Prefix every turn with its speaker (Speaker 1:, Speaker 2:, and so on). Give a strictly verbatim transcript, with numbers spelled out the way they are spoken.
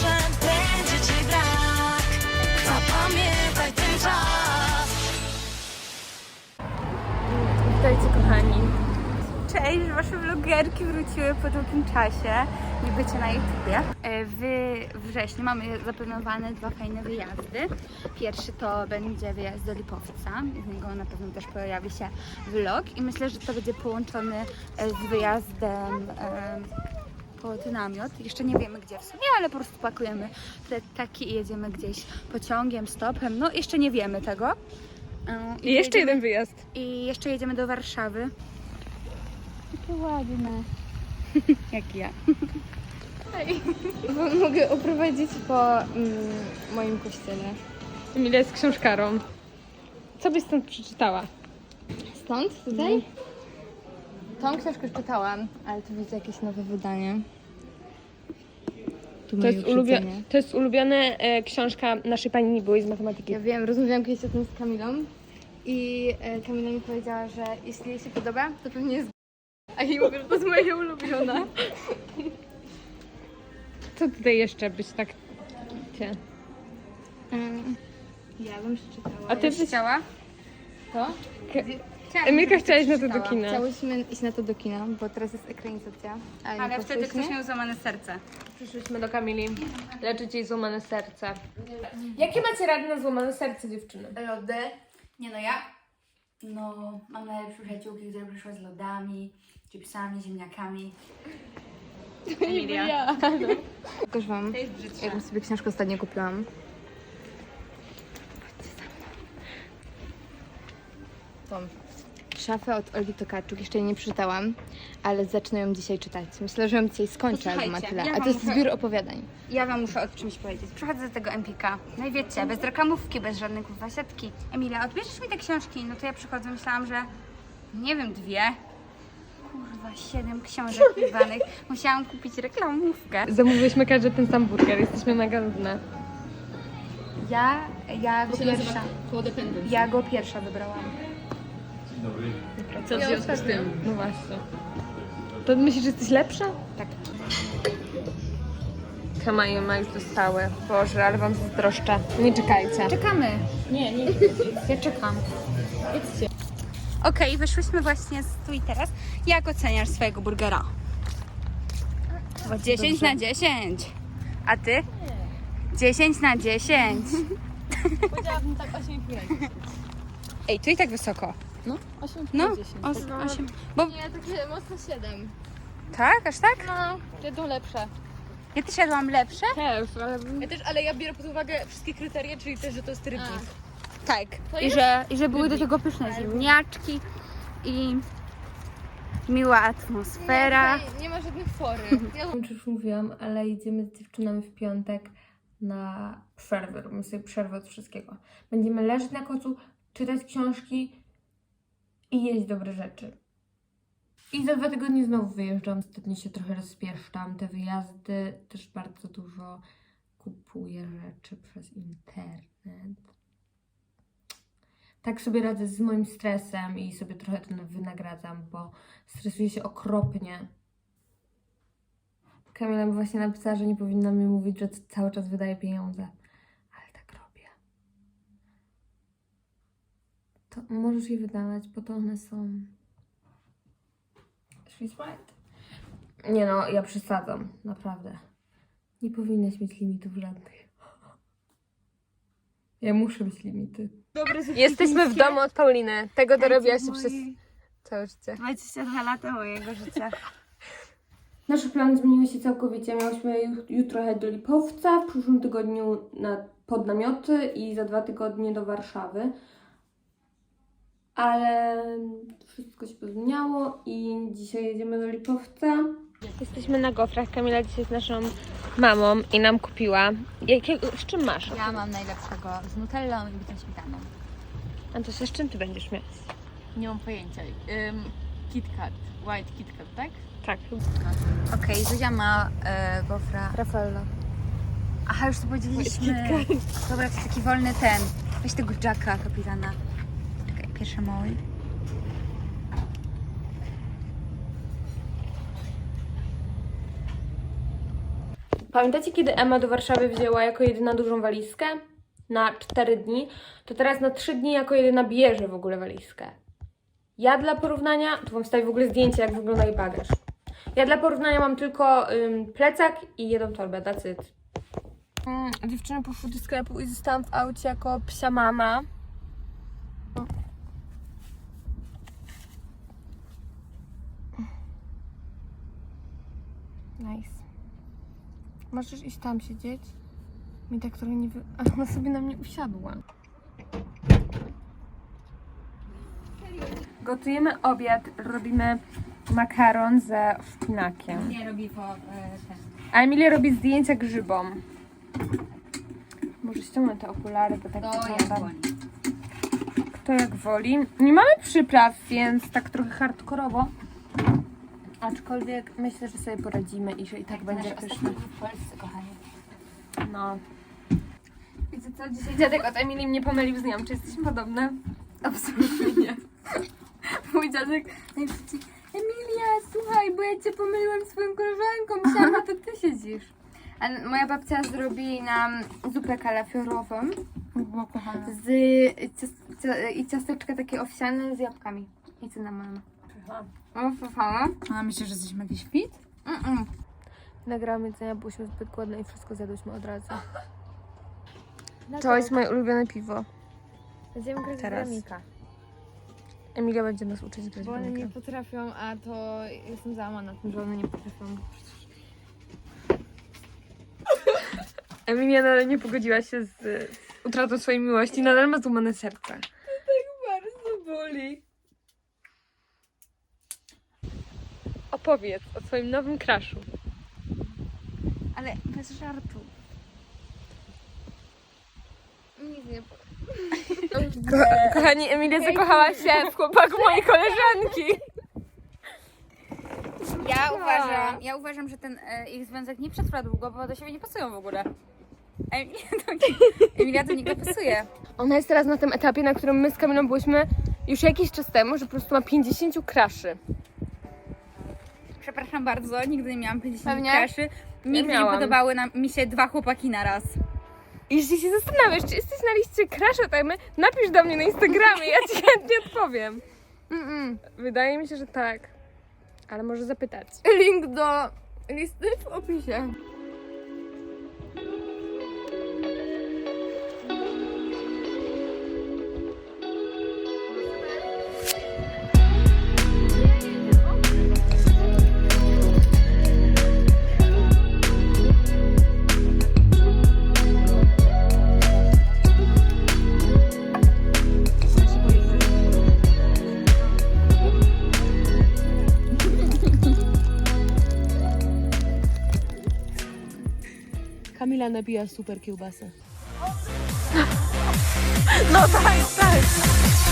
Speaker 1: że będzie ci brak. Zapamiętaj ten czas.
Speaker 2: Witajcie kochani. Cześć, wasze vlogerki wróciły po długim czasie. Nie bycie na YouTubie. W wrześniu mamy zaplanowane dwa fajne wyjazdy. Pierwszy to będzie wyjazd do Lipowca. Z niego na pewno też pojawi się vlog. I myślę, że to będzie połączony z wyjazdem pod namiot. Jeszcze nie wiemy gdzie w sumie, ale po prostu pakujemy te taki i jedziemy gdzieś pociągiem, stopem. No jeszcze nie wiemy tego. I,
Speaker 3: I jeszcze
Speaker 2: jedziemy,
Speaker 3: jeden wyjazd.
Speaker 2: I jeszcze jedziemy do Warszawy. Jakie ładne. Jak ja.
Speaker 3: Mogę oprowadzić po mm, moim kościele. Emilia jest książkarą. Co byś stąd przeczytała?
Speaker 4: Stąd? Tutaj? Mm. Tą książkę już czytałam, ale tu widzę jakieś nowe wydanie. Tu
Speaker 3: To
Speaker 4: moje
Speaker 3: jest, ulubio-
Speaker 4: uprzedzenie.
Speaker 3: to jest ulubiona e, książka naszej pani Nibuły z matematyki.
Speaker 4: Ja wiem, rozmawiałam kiedyś o tym z Kamilą i e, Kamila mi powiedziała, że jeśli jej się podoba, to pewnie jest a jej mówię, że to jest moja ulubiona.
Speaker 3: Co tutaj jeszcze byś tak... Cię.
Speaker 4: Um, ja bym przeczytała.
Speaker 3: A ty byś...
Speaker 2: Chciała?
Speaker 4: Co?
Speaker 3: Ke- Emilka chciała iść na to do kina.
Speaker 4: Chciałyśmy iść na to do kina, bo teraz jest ekranizacja. Ale, nie
Speaker 2: Ale wtedy
Speaker 4: poszłyśmy.
Speaker 2: ktoś miał złamane serce.
Speaker 3: Przyszłyśmy do Kamili leczyć jej złamane serce. Jakie macie rady na złamane serce, dziewczyny?
Speaker 2: Lody. Nie no ja. No, mam najlepsze przyjaciółki, które przyszły z lodami, chipsami, ziemniakami. Emilia.
Speaker 4: Ja. Pokaż wam,
Speaker 2: To jest brzydsze.
Speaker 4: jaką sobie książkę ostatnio kupiłam. Tą szafę od Olgi Tokarczuk. Jeszcze jej nie przeczytałam, ale zacznę ją dzisiaj czytać. Myślę, że ją dzisiaj skończę, albo ma
Speaker 2: Posłuchajcie,
Speaker 4: tyle.
Speaker 2: ja
Speaker 4: A
Speaker 2: wam
Speaker 4: to jest
Speaker 2: muszę-
Speaker 4: zbiór opowiadań.
Speaker 2: Ja wam muszę o czymś powiedzieć. Przychodzę do tego Empika. No i wiecie, bez reklamówki, bez żadnej kurwa siatki. Emilia, odbierzesz mi te książki? No to ja przychodzę, myślałam, że nie wiem, dwie. Kurwa, siedem książek wybranych. Musiałam kupić reklamówkę.
Speaker 3: Zamówiłyśmy każdy ten sam burger, jesteśmy mega nudne.
Speaker 2: Ja, ja go pierwsza. Ja go pierwsza wybrałam.
Speaker 3: Co w związku z tym? No właśnie. To myślisz, że jesteś lepsza?
Speaker 2: Tak.
Speaker 3: Kamaje ma już dostały. Boże, ale wam zazdroszczę. Nie czekajcie.
Speaker 2: Czekamy. Nie, nie. Ja czekam. Okej, wyszłyśmy właśnie z tu i teraz. Jak oceniasz swojego burgera? Bo dziesięć na dziesięć. A ty? dziesięć na dziesięć.
Speaker 4: Powiedziałabym tak osiem i pół.
Speaker 2: Ej, tu i tak wysoko.
Speaker 4: No, osiem
Speaker 2: No, os, osiem. Bo
Speaker 4: Nie, takie mocno siedem.
Speaker 2: tak, aż tak?
Speaker 4: No, jedną lepsze.
Speaker 2: Ja też jadłam lepsze?
Speaker 3: Też, ale...
Speaker 5: Ja też, ale ja biorę pod uwagę wszystkie kryteria, czyli też, że to jest rybnik.
Speaker 2: Tak. I że, I że były do tego pyszne ziemniaczki i miła atmosfera.
Speaker 4: Nie, nie ma żadnych fory. Ja
Speaker 3: Nie wiem, czy już mówiłam, ale idziemy z dziewczynami w piątek na przerwę. Robimy sobie przerwę od wszystkiego. Będziemy leżeć na kocu, czytać książki i jeść dobre rzeczy. I za dwa tygodnie znowu wyjeżdżam. Ostatnio się trochę rozpieszczam. Te wyjazdy też bardzo dużo kupuję rzeczy przez internet. Tak sobie radzę z moim stresem i sobie trochę to wynagradzam, bo stresuję się okropnie. Kamila mi właśnie napisała, że nie powinna mi mówić, że cały czas wydaje pieniądze. Ale tak robię. To możesz je wydawać, bo to one są... She's right. Nie no, ja przesadzam, naprawdę. Nie powinnaś mieć limitów żadnych. Ja muszę mieć limity. Jesteśmy w domu od Pauliny. Tego dorobiła się przez całe życie.
Speaker 2: dwadzieścia dwa lata mojego życia.
Speaker 3: Nasze plany zmieniły się całkowicie. Miałyśmy ju- jutro jechać do Lipowca, w przyszłym tygodniu na, pod namioty i za dwa tygodnie do Warszawy. Ale wszystko się pozmieniało i dzisiaj jedziemy do Lipowca. Jesteśmy na gofrach. Kamila dzisiaj z naszą mamą i nam kupiła. Jakiego, z czym masz?
Speaker 2: Ja mam najlepszego z nutellą i bitą śmietaną.
Speaker 3: Antosia, z czym ty będziesz mieć?
Speaker 5: Nie mam pojęcia. Um, KitKat, White KitKat, tak?
Speaker 3: Tak.
Speaker 2: Okej, Zuzia ma e, gofra.
Speaker 3: Raffaella.
Speaker 2: Aha, już to powiedzieliśmy. Dobra, to jest taki wolny ten. Weź tego Jacka, kapitana. Czekaj, pierwsze mały.
Speaker 3: Pamiętacie, kiedy Emma do Warszawy wzięła jako jedyna dużą walizkę? Na cztery dni. To teraz na trzy dni jako jedyna bierze w ogóle walizkę. Ja dla porównania, tu wam wstawię w ogóle zdjęcie, jak wygląda jej bagaż. Ja dla porównania mam tylko ym, plecak i jedną torbę, that's it. Mm, dziewczyny poszły do sklepu i zostałam w aucie jako psia mama. Nice. Możesz iść tam siedzieć? Mi tak trochę nie wy... A ona sobie na mnie usiadła. Gotujemy obiad, robimy makaron ze szpinakiem.
Speaker 2: Nie robi po ten.
Speaker 3: A Emilia robi zdjęcia grzybom. Może ściągnę te okulary, bo tak
Speaker 2: To
Speaker 3: wygląda.
Speaker 2: jak woli.
Speaker 3: Kto jak woli. Nie mamy przypraw, więc tak trochę hardkorowo. Aczkolwiek myślę, że sobie poradzimy i że i tak będzie pyszne.
Speaker 2: w Polsce, kochanie.
Speaker 3: No. Wiecie co? Dzisiaj dziadek od Emilii mnie pomylił z nią. Czy jesteśmy podobne? Absolutnie nie. Mój dziadek najszybciej: Emilia, słuchaj, bo ja cię pomyliłem swoją koleżanką. Myślałam, że to ty siedzisz.
Speaker 2: A moja babcia zrobi nam zupę kalafiorową
Speaker 3: Bo kochana.
Speaker 2: z cias- cia- i ciasteczka takie owsiane z jabłkami i cynamonem. O, fafała.
Speaker 5: A myślisz, że jesteśmy jakiś fit?
Speaker 2: Mm-mm.
Speaker 3: Nagrałam jedzenia, byłyśmy zbyt głodne i wszystko zjadłyśmy od razu. To jest moje ulubione piwo.
Speaker 4: Będziemy grać
Speaker 3: Teraz.
Speaker 4: w Bramika.
Speaker 3: Emilia będzie nas uczyć grać
Speaker 4: Bo
Speaker 3: w
Speaker 4: one nie
Speaker 3: bramkę.
Speaker 4: potrafią, a to jestem załamana tym, że one nie potrafią.
Speaker 3: Emilia nadal nie pogodziła się z, z utratą swojej miłości, nadal ma złamane serce.
Speaker 4: Bardzo boli.
Speaker 3: Opowiedz o swoim nowym crushu.
Speaker 2: Ale bez żartu.
Speaker 4: Nic nie powiem.
Speaker 3: Ko- kochani, Emilia zakochała się w chłopaku mojej koleżanki.
Speaker 2: Ja uważam, ja uważam, że ten e, ich związek nie przetrwa długo, bo do siebie nie pasują w ogóle. Emilia do, Emilia do niego pasuje.
Speaker 3: Ona jest teraz na tym etapie, na którym my z Kamilą byłyśmy już jakiś czas temu, że po prostu ma pięćdziesiąt cruszy.
Speaker 2: Przepraszam bardzo, nigdy nie miałam pięćdziesiąt
Speaker 3: Pewnie?
Speaker 2: kraszy. Nigdy nie
Speaker 3: miałam.
Speaker 2: podobały nam, mi się dwa chłopaki na raz.
Speaker 3: I jeśli się zastanawiasz, czy jesteś na liście crusha tajmy, napisz do mnie na Instagramie, ja ci chętnie odpowiem.
Speaker 4: Mm-mm.
Speaker 3: Wydaje mi się, że tak. Ale może zapytać.
Speaker 4: Link do listy w opisie.
Speaker 5: Kamila nabija super kiełbasę.
Speaker 3: No tak, tak.